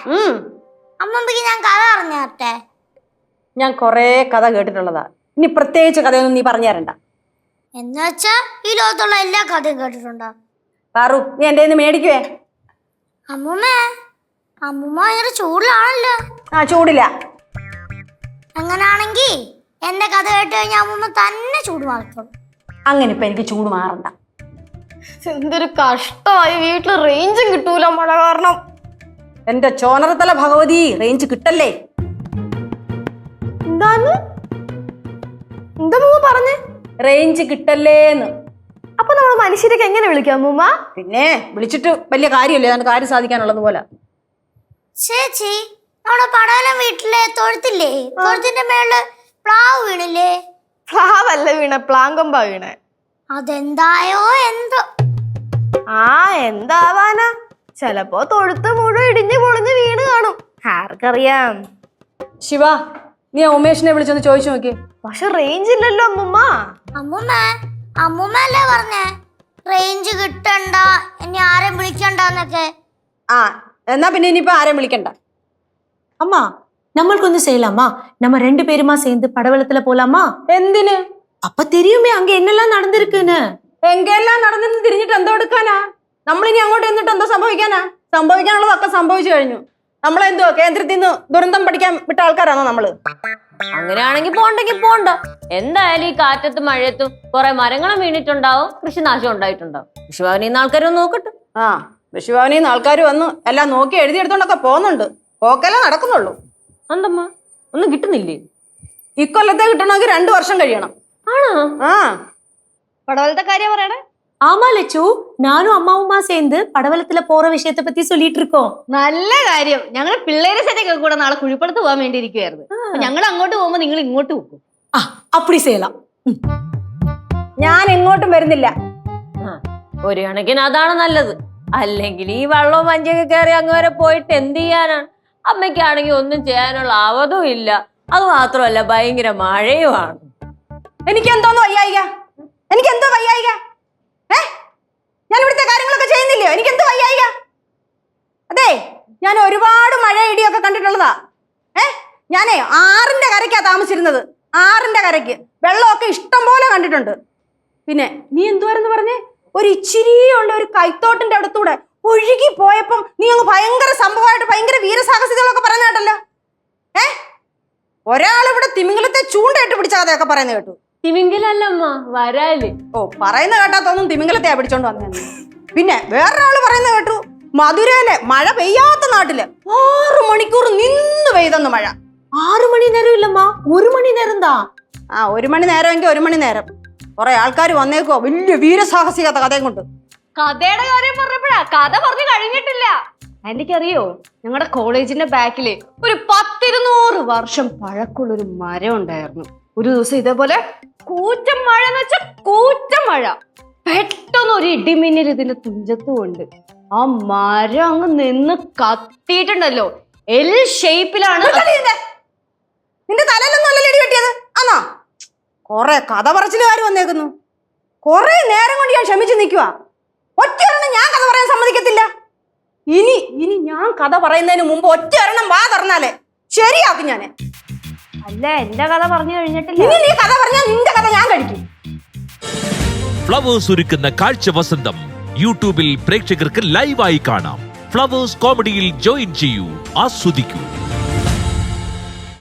അമ്മമ്മക്ക് ഞാൻ കഥ പറഞ്ഞേ. ഞാൻ കൊറേ കഥ കേട്ടിട്ടുള്ളതാ. ഇനി പ്രത്യേകിച്ച് കഥയൊന്നും നീ പറഞ്ഞു തരണ്ട. എന്നുവെച്ചാ ഈ ലോകത്തുള്ള എല്ലാ കഥയും കേട്ടിട്ടുണ്ടോ? പാറു, നീ എന്റെ കയ്യിൽ നിന്ന് മേടിക്കുവേ. അമ്മൂമ്മ ഭയങ്കര ചൂടിലാണല്ലോ. ചൂടില്ല. അങ്ങനാണെങ്കി എന്റെ കഥ കേട്ട് കഴിഞ്ഞാൽ അമ്മൂമ്മ തന്നെ ചൂട് മാറിക്കോളും. അങ്ങനെ ഇപ്പൊ എനിക്ക് ചൂട് മാറണ്ട. എന്തൊരു കഷ്ടമായി, വീട്ടില് റേഞ്ചും കിട്ടൂല മഴ കാരണം. എന്റെ ചോനറത്തല ഭഗവതി, റേഞ്ച് കിട്ടല്ലേ? എന്താന്ന് എന്താ പറഞ്ഞേ? റേഞ്ച് കിട്ടല്ലേന്ന്. അപ്പൊ നമ്മൾ മനുഷ്യരൊക്കെ എങ്ങനെ വിളിക്കാം അമ്മൂമ്മ? പിന്നെ വിളിച്ചിട്ട് വലിയ കാര്യമല്ലേ, അതിന്റെ കാര്യം സാധിക്കാനുള്ളത് പോലെ. ചേച്ചി, നമ്മുടെ പടവലം വീട്ടിലെ തൊഴുത്തില്ലേ, തൊഴുത്തിന്റെ മേളില് പ്ലാവ് വീണില്ലേ? പ്ലാവല്ല വീണ, പ്ലാങ്കൊമ്പ വീണ. അതെന്തായോ എന്തോ. എന്താവാനാ, ചെലപ്പോ തൊഴുത്ത് മുഴുവൻ ഇടിഞ്ഞു പൊളിഞ്ഞ് വീണ് കാണും, ആർക്കറിയാം. ശിവ, നീ ഉമേഷിനെ വിളിച്ചൊന്ന് ചോദിച്ചു നോക്കി. പക്ഷെ റേഞ്ച് ഇല്ലല്ലോ അമ്മൂമ്മ. അമ്മൂമ്മ അല്ലേ പറഞ്ഞേ റേഞ്ച് കിട്ടണ്ട, ഇനി ആരെയും വിളിക്കണ്ടെന്നൊക്കെ. എന്നാ പിന്നെ ഇനിയിപ്പോ ആരെയും വിളിക്കണ്ട. அம்மா நம்மளுக்கு ஒண்ணு செய்யலாமா? நம்ம 2 பேருமா சேர்ந்து படவலத்துல போலாமா? എന്തിന്? அப்ப தெரியுமே அங்க என்னெல்லாம் நடந்திருக்குன்னு. എങ്കെല്ലാം നടന്നിട്ട് തിരിഞ്ഞിട്ട് എന്തോ എടുക്കാനാ? നമ്മളിനി അങ്ങോട്ട് എന്നിട്ട് എന്തോ സംഭവിക്കാനാ? സംഭവിക്കാനുള്ളതൊക്കെ സംഭവിച്ചു കഴിഞ്ഞു. നമ്മളെന്തോ കേന്ദ്രത്തിൽ നിന്ന് ദുരന്തം പഠിക്കാൻ വിട്ട ആൾക്കാരാണോ നമ്മള്? അങ്ങനെയാണെങ്കിൽ പോണ്ടെങ്കിൽ പോണ്ട. എന്തായാലും ഈ കാറ്റത്തും മഴയത്തും കുറെ മരങ്ങളും വീണിട്ടുണ്ടാവും, കൃഷിനാശം ഉണ്ടായിട്ടുണ്ടാവും. കൃഷിഭവനിൽ നിന്ന് ആൾക്കാരൊന്നും നോക്കട്ടെ. കൃഷിഭവനിൽ നിന്ന് ആൾക്കാർ വന്ന് എല്ലാം നോക്കി എഴുതിയെടുത്തോണ്ടൊക്കെ പോകുന്നുണ്ട്. പോക്കല്ലേ നടക്കുന്നുള്ളൂ. എന്തമ്മ, ഒന്നും കിട്ടുന്നില്ലേ? ഇക്കൊല്ലത്തെ കിട്ടണമെങ്കിൽ 2 വർഷം കഴിയണം. ആണോ? പടവലത്തെ കാര്യം പറയണേ. ஆமா லட்சு, நானும் அம்மாவுமா சேர்ந்து படவலத்துல போற விஷயத்தை பத்தி சொல்லிட்டு இருக்கோம். നല്ല കാര്യം. ഞങ്ങൾ പിള്ളേരെ സെറ്റൊക്കെ കൂടെ നാളെ കുഴിപ്പടത്ത് പോകാൻ വേണ്ടി ഇരിക്കുവായിരുന്നു. ഞങ്ങൾ അങ്ങോട്ട് പോകുമ്പോ നിങ്ങൾ ഇങ്ങോട്ട് പോകും. அப்படி செய்யலாம். ഞാൻ എങ്ങോട്ടും വരുന്നില്ല. ഒരു കണക്കിന് അതാണ് നല്ലത്. അല്ലെങ്കിൽ ഈ വെള്ളവും മഞ്ഞൊക്കെ കയറി അങ്ങ് വരെ പോയിട്ട് എന്ത് ചെയ്യാനാണ്? അമ്മയ്ക്കാണെങ്കിൽ ഒന്നും ചെയ്യാനുള്ള അവധവും ഇല്ല. അത് മാത്രമല്ല, ഭയങ്കര മഴയുമാണ്. എനിക്കെന്തോ വയ്യായിക. ഞാൻ ഇവിടുത്തെ കാര്യങ്ങളൊക്കെ ചെയ്യുന്നില്ലയോ? എനിക്കെന്തോ വയ്യായിക. അതെ, ഞാൻ ഒരുപാട് മഴ ഇടിയൊക്കെ കണ്ടിട്ടുള്ളതാ. ഞാനേ 6ന്റെ കരയ്ക്കാ താമസിച്ചിരുന്നത്. 6ന്റെ കരയ്ക്ക് വെള്ളമൊക്കെ ഇഷ്ടം പോലെ കണ്ടിട്ടുണ്ട്. പിന്നെ നീ എന്തുവാരെന്ന് പറഞ്ഞേ? ഒരു ഇച്ചിരിയുള്ള ഒരു കൈത്തോട്ടിന്റെ അടുത്തൂടെ ഒഴുകി പോയപ്പം നീ അങ്ങ് ഭയങ്കര സംഭവമായിട്ട് ഭയങ്കര വീരസാഹസികളൊക്കെ പറഞ്ഞ കേട്ടല്ലോ. ഒരാളിവിടെ തിമിംഗലത്തെ ചൂണ്ടയിട്ട് പിടിച്ച കഥയൊക്കെ പറയുന്നത് കേട്ടു. തിമിംഗലല്ലമ്മ, വരാല്. പറയുന്ന കേട്ടാത്തൊന്നും തിമിംഗലത്തെയാ പിടിച്ചോണ്ട് വന്നേ. പിന്നെ വേറൊരാള് പറയുന്നത് കേട്ടു, മധുരയിലെ മഴ പെയ്യാത്ത നാട്ടില് 6 മണിക്കൂർ നിന്ന് പെയ്തെന്ന് മഴ. 6 മണി നേരം ഇല്ലമ്മാ, 1 മണി നേരം താ. 1 മണി നേരമെങ്കിൽ 1 മണി നേരം. കുറെ ആൾക്കാർ വന്നേക്കോ വലിയ വീരസാഹസികത കഥയും കൊണ്ട്. കഥയുടെ കാര്യം പറഞ്ഞപ്പോഴാ, കഥ പറഞ്ഞു കഴിഞ്ഞിട്ടില്ല. എനിക്കറിയോ, ഞങ്ങളുടെ കോളേജിന്റെ ബാക്കില് ഒരു 10-200 വർഷം പഴക്കമുള്ളൊരു മരം ഉണ്ടായിരുന്നു. ഒരു ദിവസം ഇതേപോലെ കൂറ്റം മഴ എന്ന് വെച്ചാൽ കൂറ്റം മഴ. പെട്ടെന്ന് ഒരു ഇടിമിന്നൽ ഇതിന്റെ തുഞ്ചത്തും ഉണ്ട്. ആ മരം അങ്ങ് നിന്ന് കത്തിയിട്ടുണ്ടല്ലോ. എൽ ഷേപ്പിലാണ്. നിന്റെ തലയിലൊന്നും അല്ലല്ലോ ഇടി വെട്ടിയത് ആണോ? കൊറേ കഥ പറച്ചിലുകാർ വന്നേക്കുന്നു. കൊറേ നേരം കൊണ്ട് ഞാൻ ക്ഷമിച്ചു നിൽക്കുക. ഒറ്റയൊരെണ്ണം ഞാൻ കഥ പറയാൻ സമ്മതിക്കത്തില്ല. ഇനി ഞാൻ കഥ പറയുന്നതിന് മുമ്പ് ഒറ്റയൊരെണ്ണം വാ തുറന്നാലേ ശരിയാക്കും ഞാൻ. അല്ല, എന്റെ കഥ പറഞ്ഞു കഴിഞ്ഞിട്ടില്ല. ഇനി നീ കഥ പറഞ്ഞാൽ നിന്റെ കഥ ഞാൻ കഴിക്കും. ഫ്ലവേഴ്സ് ഒരുക്കുന്ന കാഴ്ച വസന്തം യൂട്യൂബിൽ പ്രേക്ഷകർക്ക് ലൈവായി കാണാം. ഫ്ലവേഴ്സ് കോമഡിയിൽ ജോയിൻ ചെയ്യൂ, ആസ്വദിക്കൂ.